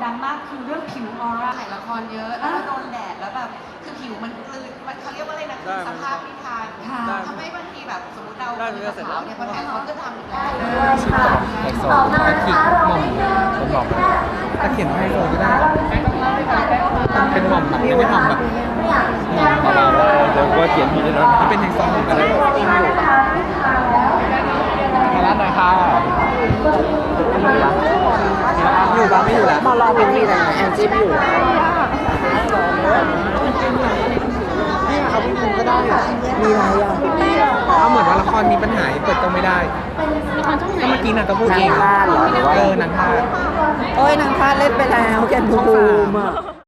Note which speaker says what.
Speaker 1: ดังมากคือเรื่องผิวออร่า
Speaker 2: ถ่ายละครเยอะแล้วก็โดนแดดแล้วแบบคือผิวมันกลืนมันเขาเรียกว่าอะไรนะคือสภาพไม่ทันทำให้บางทีแบบสมมติเราเป็นสาวเนี่ยพอถ่ายละครก็ทำอีกแล้ว
Speaker 3: ไฮโซตะขิกหม่อมผมบอกตะเขียนไฮโซก็ได้เป็นหม่อมแบบไม่ได้หม่อมแบบหม่อมของเราเดี๋ยวว่าเขียนผิดแล้วที่เป็นไฮโซก็ได้มาร้านไหนคะอยู่บ้างไม่อยู่แล้วมารอเป็นมีแต่แอนจี้ไม่อยู่นี่เอาพี่มุมก็ได้มีอะไรอ่ะเอาเหมือนว่าละครมีปัญหาเปิดกล้องไม่ได้ก็เมื่อกี้นางก็พูดเองนางพลาดเหรอหรือว่านางพลาด
Speaker 4: โอ้ยนางพลาดเล่นไปแล้วแกนบูมอ่ะ